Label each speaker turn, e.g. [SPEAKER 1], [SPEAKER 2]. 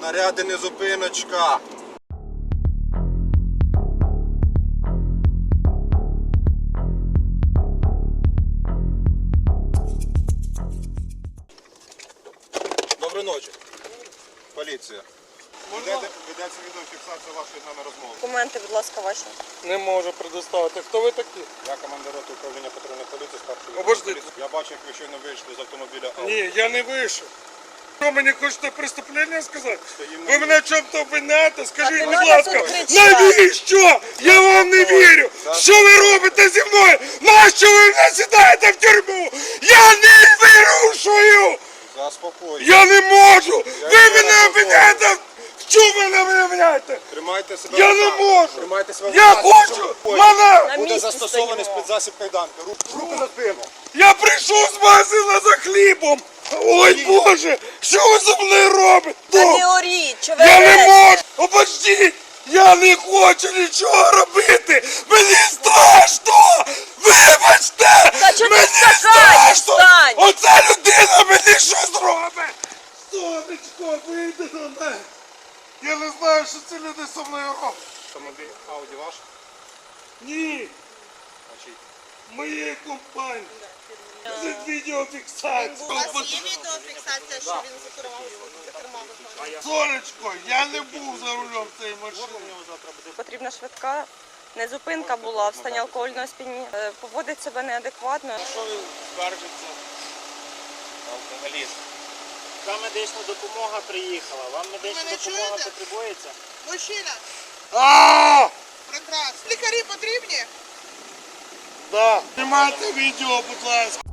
[SPEAKER 1] Наряди не зупиночка. Доброї ночі. Поліція. Ведеться відеофіксація вашої з нами розмови.
[SPEAKER 2] Документи, будь ласка, ваші.
[SPEAKER 3] Не можу предоставити. Хто ви такі?
[SPEAKER 1] Я командир роти управління патрульної поліції, старший
[SPEAKER 3] Обождіть.
[SPEAKER 1] поліції. Я бачу, як ви щойно вийшли з автомобіля Audi.
[SPEAKER 3] Ні, я не вийшов. Що мені хочете преступлення сказати?
[SPEAKER 1] Стоїмо
[SPEAKER 3] Ви
[SPEAKER 1] на
[SPEAKER 3] мене в чому-то обвиняєте? Скажіть,
[SPEAKER 2] не
[SPEAKER 3] будь
[SPEAKER 2] надо
[SPEAKER 3] ласка,
[SPEAKER 2] тут кричати.
[SPEAKER 3] навіщо? Я вам не вірю. Що ви робите зі мною? Нащо ви мене сідаєте в тюрму? Я не вирушую!
[SPEAKER 1] Заспокойтесь.
[SPEAKER 3] Я не можу! Ви мене обвиняєте! В чому ви мене обвиняєте?
[SPEAKER 1] Тримайте себе.
[SPEAKER 3] Я
[SPEAKER 1] в
[SPEAKER 3] не
[SPEAKER 1] руках.
[SPEAKER 3] можу!
[SPEAKER 1] Тримайте себе в
[SPEAKER 3] Я
[SPEAKER 1] руках,
[SPEAKER 3] хочу!
[SPEAKER 1] щоб
[SPEAKER 3] Мене!
[SPEAKER 2] На
[SPEAKER 1] буде
[SPEAKER 2] місці
[SPEAKER 1] застосований
[SPEAKER 2] стоїмо.
[SPEAKER 1] спецзасіб кайданки. Руки за спину.
[SPEAKER 3] Я прийшов з магазину за хлібом! Ой Боже! Що ви зі мною робите?
[SPEAKER 2] Та не оріть, що ви
[SPEAKER 3] Я не
[SPEAKER 2] орете?
[SPEAKER 3] можу! Обождіть! Я не хочу нічого робити! Мені страшно! Вибачте!
[SPEAKER 2] Та чого ти
[SPEAKER 3] Мені
[SPEAKER 2] встань?
[SPEAKER 3] страшно!
[SPEAKER 2] Встань!
[SPEAKER 3] Оця людина мені щось робить! Сонечко, вийди до мене! Я не знаю, що ці люди зі мною роблять!
[SPEAKER 1] Автомобіль Audi ваш?
[SPEAKER 3] Ні!
[SPEAKER 1] Значить,
[SPEAKER 3] Моєї компанії! Це відеофіксація!
[SPEAKER 4] У вас є відеофіксація, що він за кермом?
[SPEAKER 3] Сонечко, я не був за рулем цієї машини!
[SPEAKER 2] Потрібна швидка. Не зупинка була в стані алкогольного сп'яніння. Поводить себе неадекватно.
[SPEAKER 5] Що він скаржиться? Алкоголіст. Та медична допомога приїхала. Вам медична
[SPEAKER 4] мене
[SPEAKER 5] допомога
[SPEAKER 4] чуєте?
[SPEAKER 5] потребується?
[SPEAKER 4] Мужчина,
[SPEAKER 3] А!
[SPEAKER 4] прекрасно. Лікарі потрібні?
[SPEAKER 3] Да. Знімайте відео, будь ласка.